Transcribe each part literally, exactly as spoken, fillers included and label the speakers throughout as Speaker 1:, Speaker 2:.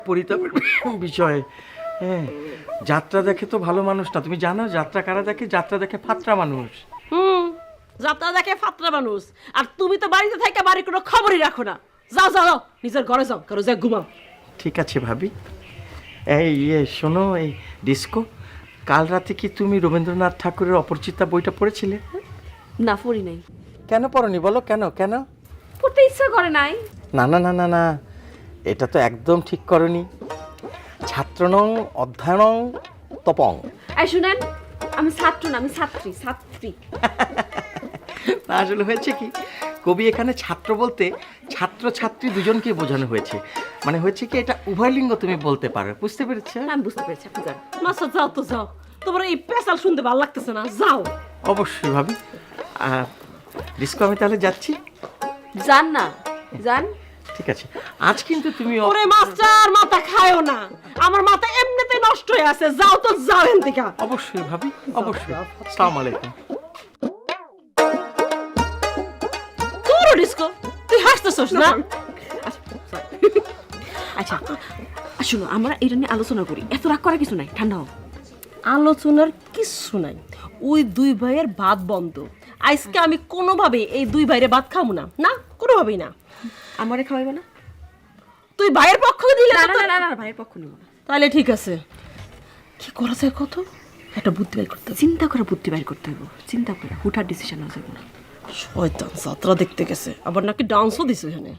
Speaker 1: পরিতাপের বিষয়। হ্যাঁ, যাত্রা দেখে তো ভালো মানুষ না, তুমি জানো যাত্রা কারা দেখে? যাত্রা দেখে ফাত্রা মানুষ।
Speaker 2: হুম, যাত্রা দেখে ফাত্রা মানুষ। আর তুমি তো বাড়িতে থেকে বাড়ির কোনো খবরই রাখো না। যাও যাও যাও, নিজের ঘরে যাও, কারো যা ঘুমাও।
Speaker 1: ঠিক আছে ভাবি। এই ইয়ে শোনো, এই ডিস্কো, কাল রাতে কি তুমি রবীন্দ্রনাথ ঠাকুরের অপরিচিতা বইটা পড়েছিলে?
Speaker 2: না, পড়ি নাই।
Speaker 1: কেন পড়নি বলো, কেন কেন?
Speaker 2: পড়তে ইচ্ছা করে নাই।
Speaker 1: না না না না না, এটা তো একদম ঠিক করনি। ছাত্রনং অধ্যয়নং তপং।
Speaker 2: এই শুনেন, আমি ছাত্র না, আমি ছাত্রী। ছাত্রী
Speaker 1: না, আসলে হয়েছে কি, কবি এখানে ছাত্র বলতে ছাত্র ছাত্রী দুজনকে বোঝানো হয়েছে। মানে হয়েছে কি, এটা উভয় লিঙ্গ তুমি বলতে পারো, বুঝতে পেরেছো?
Speaker 2: আমি বুঝতে পেরেছি। আপনি যান না, যাও তো যাও, তোমার এই পেশাল শুনতে ভালো লাগতেছে না, যাও।
Speaker 1: অবশ্যই ভাবি। ডিস্কো, আমি তাহলে যাচ্ছি।
Speaker 2: যান না, যান।
Speaker 1: ঠিক আছে, আজ কিন্তু তুমি অ-
Speaker 2: ওরে মাস্টার, মাথা খায়ও না, আমার মাথা এমনিতে নষ্ট হয়ে আছে। যাও তো, যাও এখান থেকে।
Speaker 1: অবশ্যই ভাবি, অবশ্যই। আসসালামু আলাইকুম।
Speaker 2: তোর ডিস্কো, তুই হাসতেছস না? আচ্ছা শুনো, আমরা এটা নিয়ে আলোচনা করি। এত রাগ করার কিছু নাই, ঠান্ডা হও। আলোচনার কিছু নাই। ওই দুই ভাইয়ের ভাত বন্ধ। আজকে আমি কোনোভাবে এই দুই ভাইয়ের ভাত খাবো না, না কোনোভাবেই না। আমারে খাওয়াইবে না? তুই ভাইয়ের পক্ষ দিলে না? না না, ভাইয়ের পক্ষ নিব না। তাহলে ঠিক আছে, কি করা যায় কত? একটা বুদ্ধি বাইর করতে হবে। চিন্তা করে বুদ্ধি বাইর করতে হবে। চিন্তা করে হুঠার ডিসিশন নেওয়া যাবে না। শয়তান, যাত্রা দেখতে গেছে, আবার নাকি ডান্সও দিছে এখানে।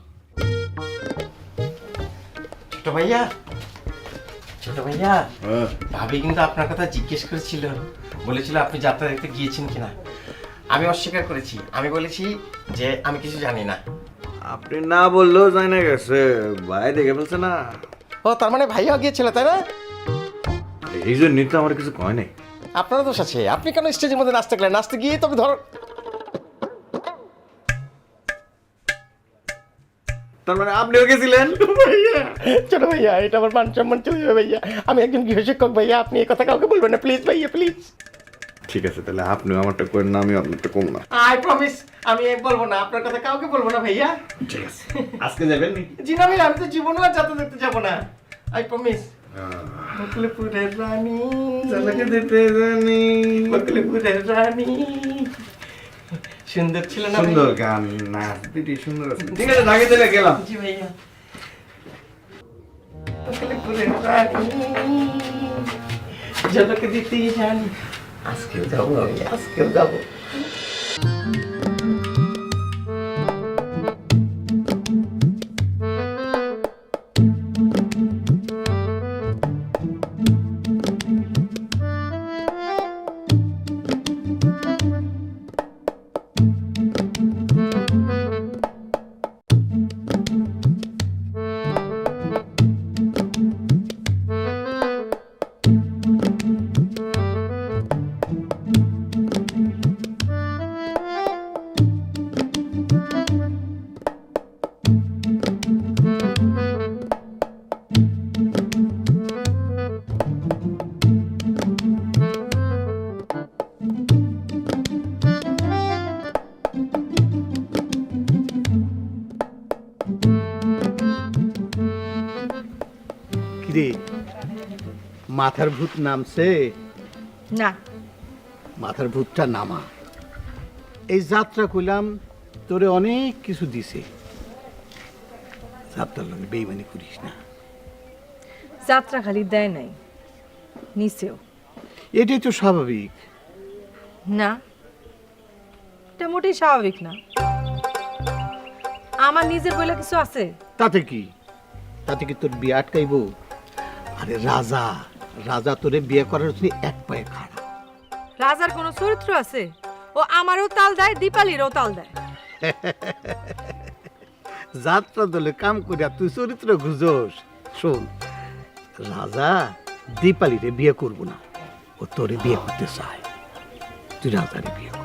Speaker 1: ছোট ভাইয়া, ছোট ভাইয়া, ভাবি কিন্তু আপনার কথা জিজ্ঞেস করেছিল, বলেছিল আপনি যাত্রা দেখতে গিয়েছেন কিনা। আমি অস্বীকার করেছি, আমি বলেছি যে আমি কিছু জানি না।
Speaker 3: আপনি না বললেও জানি না গেছে, ভাই দেখে ফেলছে না।
Speaker 1: ও, তার মানে ভাইয়া গিয়েছিল, তাই না?
Speaker 3: এই জন্যই তো আমার কিছু কয় নাই।
Speaker 1: আপনারও দোষ আছে, আপনি কেন স্টেজের মধ্যে নাচতে গেলেন? নাচতে গিয়ে তবে ধর।
Speaker 3: তার মানে আপনিও গেছিলেন?
Speaker 1: ভাইয়া, ছোট ভাইয়া, এটা আমার মান সম্মান চলে যাবে ভাইয়া। আমি একজন গৃহশিক্ষক ভাইয়া, আপনি এই কথা কাউকে বলবেন না প্লিজ ভাইয়া, প্লিজ।
Speaker 3: ঠিক আছে, তাহলে আপনিও আমারটা করেন না, আমি আপনারটা কম না।
Speaker 1: আই প্রমিস, আমি বলবো না, আপনার কথা কাউকে বলবো না ভাইয়া।
Speaker 3: ঠিক আছে, আজকে যাবেন নি?
Speaker 1: জি না ভাইয়া, আমি তো জীবনও আর যাত্রা দেখতে যাবো না। I promise. বকলিপুরের রানী,
Speaker 3: চালাকে দিতে জানি।
Speaker 1: বকলিপুরের রানী। সুন্দর ছিল না?
Speaker 3: সুন্দর গান, নাচ পিটি সুন্দর আছে। ঠিক আছে, ঢাকে চলে গেলাম।
Speaker 1: জি ভাইয়া। বকলিপুরের রানী, ঝলক দিতে জানি। আজকেও যাবো আমি, আজকেও যাবো।
Speaker 4: কিরে, মাথার ভূত নামছে?
Speaker 5: না,
Speaker 4: মাথার ভূতটা নামা। এই যাত্রা কইলাম তোরে অনেক কিছু দিছে, যাত্রার লগে বেইমানি করিস না।
Speaker 5: যাত্রা খালি দেয় নাই, নিচেও।
Speaker 4: এটাই তো স্বাভাবিক।
Speaker 5: না, এটা মোটেই স্বাভাবিক না। আমার নিজের বলে কিছু আছে?
Speaker 4: তাতে কি, তাতে কি তোর বিয়ে আটকাইব? আরে রাজা, রাজা তোরে বিয়ে করার জন্য এক পায়ে খাড়া।
Speaker 5: রাজার কোনো চরিত্র আছে? ও আমারও তাল দেয়, দীপালিরও তাল দেয়।
Speaker 4: যাত্রা দলে কাম করিয়া তুই চরিত্র খুঁজোস। শোন, রাজা দীপালিরে বিয়ে করব না, ও তোরে বিয়ে করতে চায়। তুই রাজারে বিয়ে কর।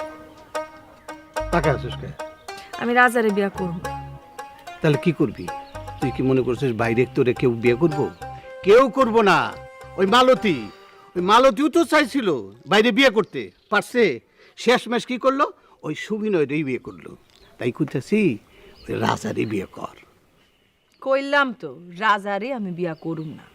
Speaker 4: টাকা আছিস কে?
Speaker 5: আমি রাজারে বিয়ে করব।
Speaker 4: তাহলে কি করবি? তুই কি মনে করছিস বাইরে তোরে কেউ বিয়ে করব? কেউ করব না। ওই মালতী, ওই মালতীও তো চাইছিল বাইরে বিয়ে করতে, পারছে? শেষমেশ কি করলো? ওই সুবিনয়রেই বিয়ে করলো। তাই করতেছি ওই রাজারই বিয়ে কর।
Speaker 5: কইলাম তো রাজারে আমি বিয়া করুম না।